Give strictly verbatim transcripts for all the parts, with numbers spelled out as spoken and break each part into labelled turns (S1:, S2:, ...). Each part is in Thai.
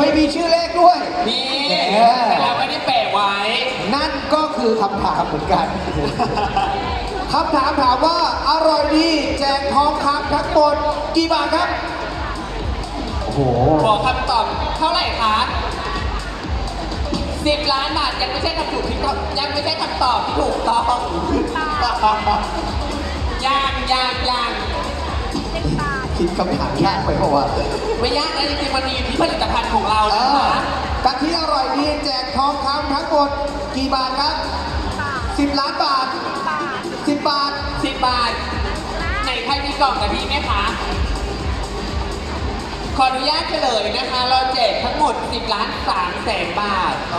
S1: ยมีชื่อเลขด้วย
S2: นี่
S1: แหม
S2: แต่เราไม่ได้แปะไว้
S1: นั่นก็คือคำถามเหมือนกัน คำถามถามว่าอร่อยดีแจกทองคำทั้งหมดกี่บาทครับ โอ้โห
S2: บอกคำตอบเท่าไหร่คะสิบล้านบาทยังไม่ใช่คำถูกที่ต้องยังไม่ใช่คำตอบที่ถูกต้องยังยังยัง
S1: คิดคำถามยากไปเพราะว่า
S2: ไม่ยากนะจริงๆมันมีอยู่ที่ผลิตภัณฑ์ของเรา
S1: เอ
S2: นะ
S1: อ
S2: คะ
S1: กะทิอร่อยดีแจกทองคำทั้งหมดกี่บาทครับสิบล้านบาทสิบบาท
S2: สิบบาทไหนใครมีกล่องกะทิไหมคะขออนุญาตเฉลยนะคะ เราแจกทั้งหมดสิบล้านสามแสนบาท
S1: โอ้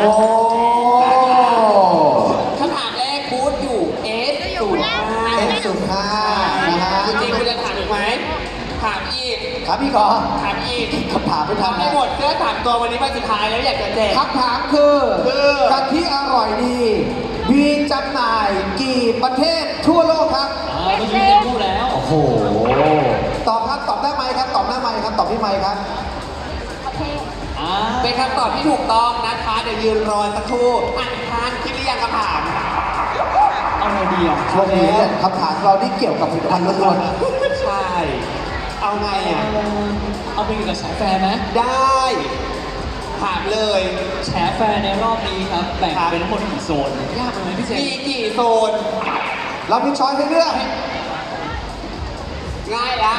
S2: คำถามแรกบูธอยู่ เอส ศูนย์ ห้า
S1: เอ็นสุดห้านะฮะ
S2: จริงๆคุณจะถามอีกไหมถามอีก
S1: ครับพี่ก่อน
S2: ถามอีก
S1: คำถามไม่ทัน
S2: ทำไม่
S1: นะ
S2: หมดเสื้อสามตัววันนี้วันสุดท้ายแล้วอยากจะแจก
S1: คำถามคือ
S2: คือ
S1: กะทิอร่อยดี มีจำหน่ายกี่ประเทศทั่วโลกครับ
S3: อ่าเมื่อกี้เต็มพูดแล้ว
S1: โอ้โห ตอบครับ ตอบได้ไหมครับ ตอบได้ไหมครับ ตอบที่ไหมครับ
S3: อ่า
S2: เป็นคำตอบที่ถูกต้องนะคะ เดี๋ยวยืนรอสักครู่อ่านทานคิดหรือยังคำถาม
S3: เอาไงดีอ่ะ
S1: ช่วงนี้เนี่ยคำถามเราที่เกี่ยวกับผลิตภัณฑ์ล้วน
S2: ใช่ เอาไงอ่ะ
S3: เอาไปอยู่กับแฉแฟร์ไหม
S2: ได้ ถามเลย
S3: แฉแฟร์ในรอบนี้ครับ แบ่งเป็นทั้งหมดกี่โซน ยากไหมพี่เจ
S2: มีกี่โซน
S1: ๆเรามีช้อยให้เลือก
S2: ง่ายละ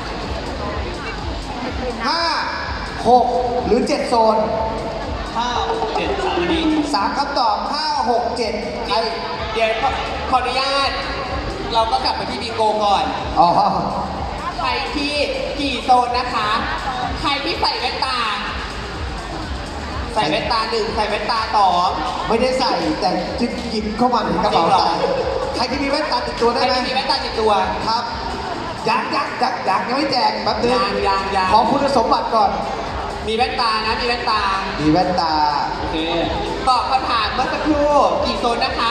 S1: ห้า หก หรือ เจ็ด โซน
S3: ห้าเจ็ดสามอันนี้
S1: สามคำตอบ ห้า หก เจ็ดใคร
S2: เดี๋ยวขอขออนุญาต เราก็กลับไปที่บิงโกก่อน
S1: อ๋อ
S2: ใครที่กี่โซนนะคะ ใครที่ใส่แว่นตา ใส่แว่นตาหนึ่งใส่แว่นตาสอง
S1: ไม่ได้ใส่แต่จิบหยิบเข้ามาในกระเป๋าใส่ใครที่มีแว่นตาติดตัว
S2: ใค
S1: ได้
S2: ร
S1: ไหม
S2: ที่มีแว่นตาติดตัว
S1: ครับยักยักยักยักยังไม่แจกแป๊บนึง
S2: ยังยังยัง
S1: ขอคุณสมบัติก่อน
S2: มีแว่นตานะ มีแว่นตา
S1: มีแว่นตา
S3: โอเค
S2: ตอบคำถามเมื่อสักครู่กี่โซนนะคะ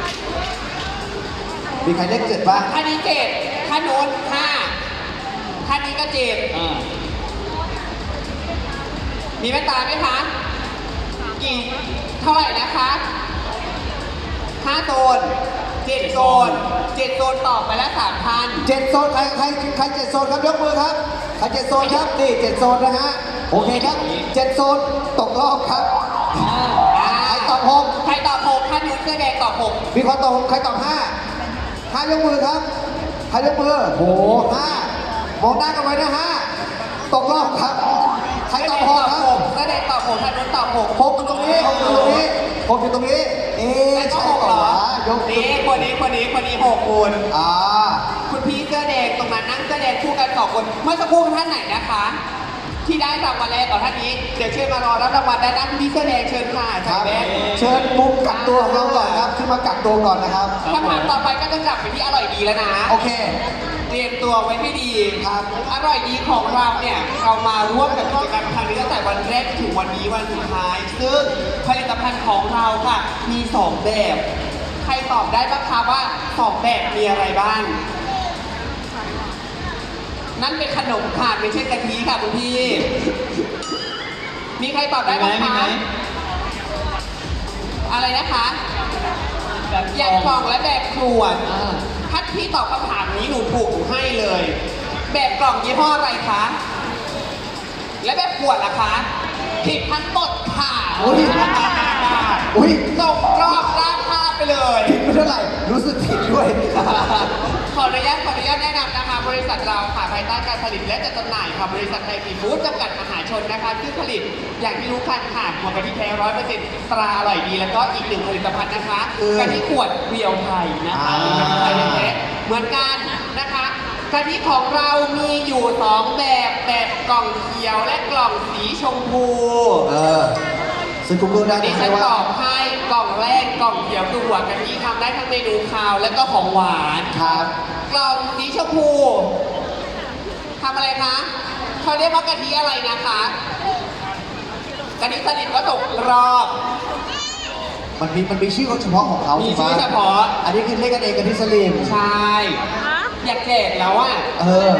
S1: มีใครเลขเจ็ดบ้าง
S2: ท่านี้เจ็ดท่าโน้นห้าท่านี้ก็เจ็ด
S3: อ่า
S2: มีแว่นตาไหมคะ กี่เท่าไหร่นะคะห้าโซนเจ็ดโซนเจ็ดโซนตอบไปแล้วสามพัน
S1: เจ็ดโซนใครใครใครเจ็ดโซนครับยกมือครับใครเจ็ดโซนครับนี่เจ็ดโซนนะฮะโอเคครับเจ็ดโซนตกรอบครับ
S3: อ่า
S1: ใครตอบหก
S2: ใครตอบหกท่านนู้นเสื้อแดงตอบหก
S1: มีคนตอบหกใครตอบห้าห้ายกมือครับใครยกมือโหห้ามองหน้ากันไว้นะห้าตกรอบครับใครตอบหกครับ
S2: เสื้อแดงตอบหกท่านนู้นตอบหก
S1: หกอยู่ตรงนี้หกอยู่ตรงนี้หกอยู่ตรงนี้ เอ๊ะ
S2: แล้วก็
S1: ใช่
S2: หก
S1: เป
S2: เหร
S1: ล่า
S2: อ
S1: วะยก
S2: นี่คนนี้คนนี้คนนี้หกคน
S1: อ่า
S2: คุณพี่เสื้อแดงตรงนั้นนั่งเสื้อแดงคู่กันสองคน เมื่อสักครู่ท่านไหนนะคะ ที่ได้รางวัลแรกต่อท่านนี้ เดี๋ยวเชิญมารอรับรางวัลได้นะคุณพี่เสื้อแดงเชิญค่ะ
S1: ค
S2: ใส่
S1: รับ
S2: แว่น
S1: เชิญมุมกักตัวของเราก่อนครับขึ้นมากักตัวก่อนนะครับ
S2: คำถามต่อไปก็จะกลับไปที่อร่อยดีแล้วนะ
S1: โอเค
S2: เตรียมตัวไว้ให้ดี
S1: ครับ
S2: อร่อยดีของเราเนี่ย เรามาร่วมกับกิจกรรมครั้งนี้ตั้งแต่วันแรกถึงวันนี้วันสุดท้าย ซึ่งผลิตภัณฑ์ของเราค่ะ มีสองแบบ ใครตอบได้บ้างคะว่าสองแบบมีอะไรบ้าง นั่นเป็นขนมค่ะไม่ใช่กะทิค่ะคุณพี่ มีใครตอบได้
S3: มีไหม
S2: บ้าง
S3: มีไหม
S2: คะ อะไรนะคะ
S3: แบบ
S2: แบบกล่องและแบบขวด
S3: อ่า
S2: ถ้าพี่ตอบคำถามนี้หนูถูกหนูให้เลย แบบกล่องยี่ห้ออะไรคะ และแบบขวดล่ะคะผิดทั้งหมดค่ะ
S1: โอ้ย อุ้ย
S2: ส่งรอบราคาไปเลย
S1: ผิดไม่เท่าไหร่รู้สึกผิดด้วย
S2: ขออนุญาตขออนุญาตแนะนำนะคะ บริษัทเราค่ะภายใต้การผลิตและจัดจำหน่ายค่ะบริษัทไทยฟีฟู้ดจำกัดมหาชนนะคะที่ผลิตอย่างที่รู้กันค่ะหัวกะทิแท้ร้อยเปอร์เซ็นต์ตราอร่อยดี แล้วก็อีกหนึ่งผลิตภัณฑ์นะคะ
S1: คือก
S2: ะทิขวดเรียวไทยนะคะ
S1: อ่า
S2: เป็นกะทิไทยแท้เหมือนกันนะคะกะทิของเรามีอยู่สองแบบแบบกล่องเขียวและกล่องสีชมพู
S1: เออซึ่งกูเกิลได้
S2: ดิ
S1: ไหม
S2: ฉันต
S1: ว่า
S2: อบให้กล่องแรกกล่องเขียวคือหัวกะทิทำได้ทั้งเมนูคาวและก็ของหวาน
S1: ครับ
S2: กล่องสีชมพูทำอะไรคะเขาเรียกว่ากะทิอะไรนะคะกะทิสนิทก็ตกรอบ
S1: มันมีมันมีชื่อเฉพาะของเขา
S2: มี
S1: ถูกปะ
S2: ชื่อเฉพาะ
S1: อันนี้คือเลขกันเองกับที่สลิม
S2: ใช่อยากแจกแล้วอ่ะ
S1: เออ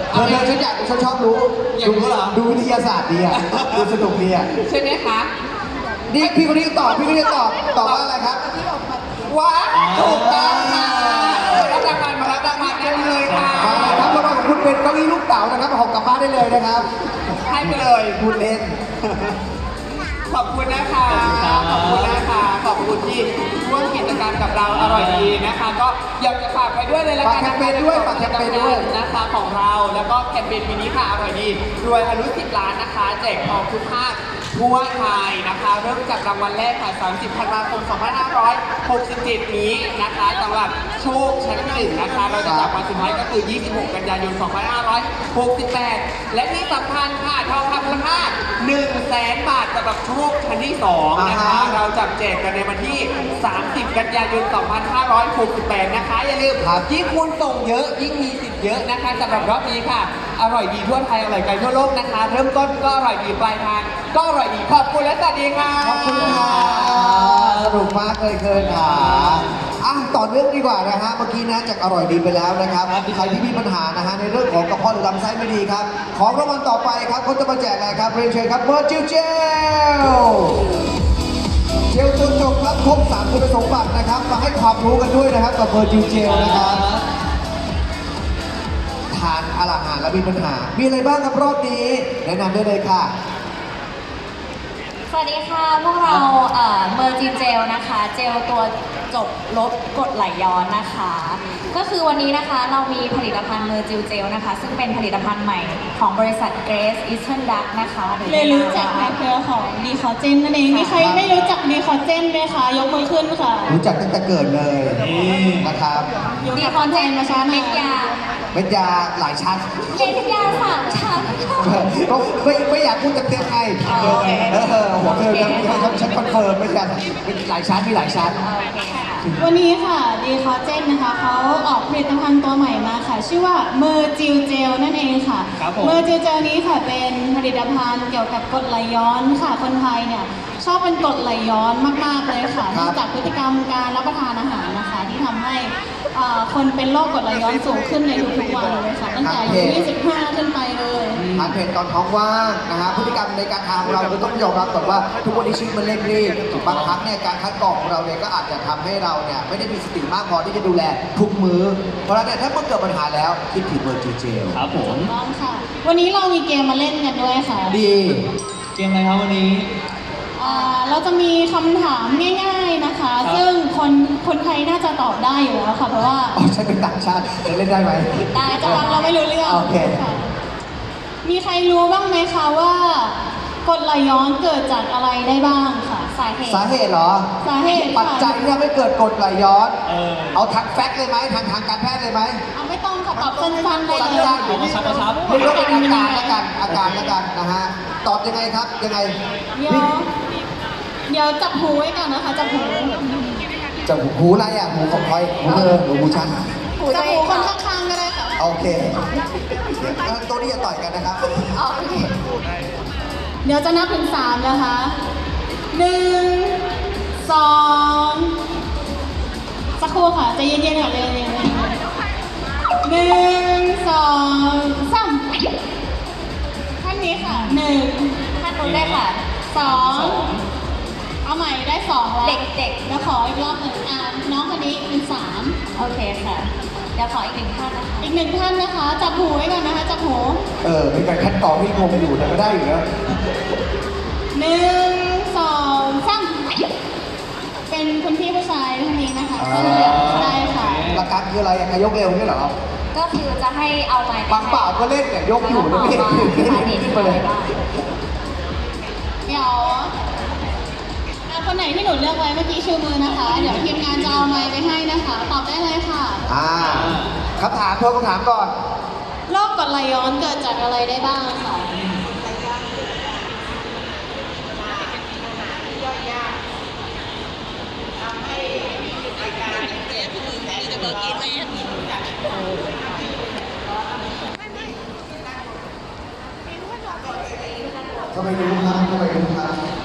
S1: เธอเธอฉันอยากฉันชอบรู้
S3: อยากรู้เหรอ
S1: ดูวิทยาศาสตร์ดีอ่ะดูสนุกดีอ่ะ
S2: ใช่ไหมคะ
S1: นี่พี่คนนี้ก็ตอบพี่คนนี้ก็ตอบตอบว่าอะไรครับ
S2: ว้าวถูกต้องค่ะมารับรางวัลมารับรางวัลได้เลยค่ะ
S1: มาครับรางวัลของคุณเป็นเก้าอี้ลูกเต๋านะครับหอกกลับบ้านได้เลยนะครับ
S2: ให้ไปเลย
S1: พูดเล่น
S2: ขอบคุณนะคะ ขอบคุณนะคะ ขอบคุณที่ร่วมกิจกรรมกับเราอร่อยดีนะคะ ก็อยากจะฝากไปด้วยเลยละกัน
S1: ฝากแคมเปญด้วยฝากแคมเปญด้วย
S2: นะคะของเราแล้วก็แคมเปญปีนี้ค่ะอร่อยดีรวยทะลุสิบล้านนะคะแจกทองทุกภาคทั่วไทยนะคะ เริ่มจากรางวัลแรกค่ะสามสิบธันวาคมสองพันห้าร้อยหกสิบเจ็ดนี้นะคะสำหรับโชคชั้นหนึ่งนะคะ เราจะจับวันสุดท้ายก็คือ ยี่สิบหก กันยายน สองพันห้าร้อยหกสิบแปด และที่สำคัญค่ะทองคำมูลค่า หนึ่งแสน บาทสำหรับโชคชั้นที่สองนะคะ
S1: อ่าฮะ
S2: เราจับแจกกันในวันที่ สามสิบ กันยายน สองพันห้าร้อยหกสิบแปด นะคะ อย่าลืมยิ่งคุณส่งเยอะยิ่งมีสิทธิ์เยอะนะคะสำหรับรอบนี้ค่ะ อร่อยดีทั่วไทยอร่อยไกลทั่วโลกนะคะ เริ่มต้นก็อร่อยดีปลายทางก็อร่อยดีขอบคุณและสวัสดีค่ะ
S1: ขอบคุณค่ะสนุกมากเลยเกินค่ะอ่ะต่อเนื่องดีกว่านะฮะเมื่อกี้นะจากอร่อยดีไปแล้วนะครับใครที่มีปัญหานะฮะในเรื่องของกระเพาะหรือลำไส้ไม่ดีครับของรางวัลต่อไปครับเขาจะมาแจกอะไรครับเรียนเชิญครับเมอร์จิลเจลเจลตัวจบรับครบสามคุณสมบัตินะครับมาให้ความรู้กันด้วยนะครับกับเมอร์จิลเจลนะครับทานอาหารแล้วมีปัญหา มีอะไรบ้างครับรอบนี้แนะนำได้เลยค่ะ
S4: สวัสดีค่ะ พวกเราเมอร์จินเจลนะคะ เจลตัวจบลดกรดไหลย้อนนะคะ ก็คือวันนี้นะคะเรามีผลิตภัณฑ์เมอร์จิลเจลนะคะ ซึ่งเป็นผลิตภัณฑ์ใหม่ของบริษัท Grace Eastern Duck นะคะหรือ
S5: เลยรู้จักในเครือของดีคอเจนนั่นเอง มีใครไม่รู้จักดีคอเจนไหมคะ ยกมือขึ้นค่ะ
S1: รู้จักตั้งแต่เกิดเลยนะครับ
S4: ดีคอนเจนนะคะเม็ดยา
S1: เม็ดยาหลายชั้น
S4: เม็ดยาสามชั้นค่ะ
S1: ก็ไม่ไม่อยากพูดเต็มๆไง
S4: อ๋อโอเค
S1: เออหัวเธอยังฉันคอนเฟิร์มเม็ดยาเป็นหลายชั้นมีหลายชั้น
S4: โอเคค่ะ
S5: วันนี้ค่ะดีคอเจนนะคะเขาออกผลิตภัณฑ์ตัวใหม่มาค่ะ ชื่อว่าเมอร์จิลเจลนั่นเองค่ะ
S3: ครับผม
S5: เมอร์จิลเจลนี้ค่ะเป็นผลิตภัณฑ์เกี่ยวกับกรดไหลย้อนค่ะ คนไทยเนี่ยชอบเป็นกรดไหลย้อนมากๆเลยค่ะ
S1: ครับ
S5: เนื่องจากพฤติกรรมการรับประทานอาหารนะคะ ที่ทำให้เอ่อคนเป็นโรคกรดไหลย้อนสูงขึ้นในทุกๆวันเลยค่ะ ตั้งแต่อายุยี่สิบห้าขึ้นไปเลย
S1: ทานเผ็ดตอนท้องว่างนะฮะพฤติกรรมในการทานของเราคือต้องยอมรับก่อนว่าทุกวันนี้ชีวิตมันเร่งรีบบางครั้งเนี่ยการคัดกรองของเราเนี่ยก็อาจจะทำให้เราเนี่ยไม่ได้มีสติมากพอที่จะดูแลทุกมื้อเพราะฉะนั้นเนี่ยถ้าเมื่อเกิดปัญหาแล้วคิดถึงเมอร์จิลเจล
S3: ครับผม
S5: ต้องค่ะ วันนี้เรามีเกมมาเล่นกันด้วยค่ะ
S1: ดี
S3: เกมอะไรครับวันนี้
S5: อ่าเราจะมีคำถามง่ายๆนะคะ
S3: ครับ
S5: ซึ่งคนคนไทยน่าจะตอบได้อยู่แล้วค่ะ เพราะว่า
S1: อ๋อฉันเป็นต่างชาติจะเล่นได้ไหม
S5: ได้จะฟังเราไม่รู้เรื่อง
S1: โอเค
S5: ค่ะมีใครรู้บ้างไหมคะว่ากรดไหลย้อนเกิดจากอะไรได้บ้างค่ะ
S4: สาเหตุ
S1: สาเหตุเหรอ
S5: สาเหตุ
S1: ปัจจัยที่ทำให้เกิดกรดไหลย้อน
S3: เออ
S1: เอาทางแฟกต์เลยไหมทางทางการแพทย์เลยไหม
S5: เอาไม่ต้องค่ะตอบสั้นๆไปเลย
S1: สั้นๆ
S3: เอากระชับกระชับ
S1: เรียกว่าเป็นอาการละกันอาการละกันนะฮะตอบยังไงครับยังไง
S5: เดี๋ยวเดี๋ยวจับหูไว้ก่อนนะคะ จับหู
S1: จะหูอะไรอ่ะหูของใครหูเธอหรือหูฉัน
S5: จับหูคนข้างๆก็ได้ค่ะ
S1: โอเคเดี๋ยวตัวนี้จะต่อยกันนะครับ
S4: โอเค
S5: เดี๋ยวจะนับถึงสามนะคะหนึ่งสองสักครู่ค่ะใจเย็นๆก่อนเลยๆหนึ่งสองสามท่านนี้ค่ะหนึ่ง
S4: ท่านนู้นได้ค่ะ
S5: สองเอาใหม่ได้สองแล้ว
S4: เด็กๆ
S5: แล้วขออีกรอบหนึ่งอ่าน้องคนนี้เป็นสาม
S4: โอเคค่ะ เดี๋ยวขออีกหนึ่งท่านนะคะ
S5: อีกหนึ่งท่านนะคะ จับหูไว้ก่อนนะคะจับหู
S1: เออมีการคัดกรองที่งงอยู่แต่ก็ได้อยู่นะ
S5: หนึ่งสองสามเป็นคุณพี่ผู้ชายท่านนี้นะคะเสื้อเหลืองได้ค่ะ
S1: หลักการคืออะไรอ่ะยกเร็วนี่เหรอ
S4: ก็คือจะให้เอาไม้ไป
S1: บางเปล่าก็เล่นเนี่ยยกอยู่นะไม่เห็นไม่เห็นขึ้นไปเลย
S5: เดี๋ยวอ่ะคนไหนที่หนูเลือกไว้เมื่อกี้ชูมือนะคะ เดี๋ยวทีมงานจะเอาไม้ไปให้นะคะ ตอบได้เลยค่ะ
S1: อ่าคำถามทวนคำถามก่อน
S5: โรคกรดไหลย้อนเกิดจากอะไรได้บ้างค่ะ
S1: ทำไมรู้ครับทำไมรู้ครับ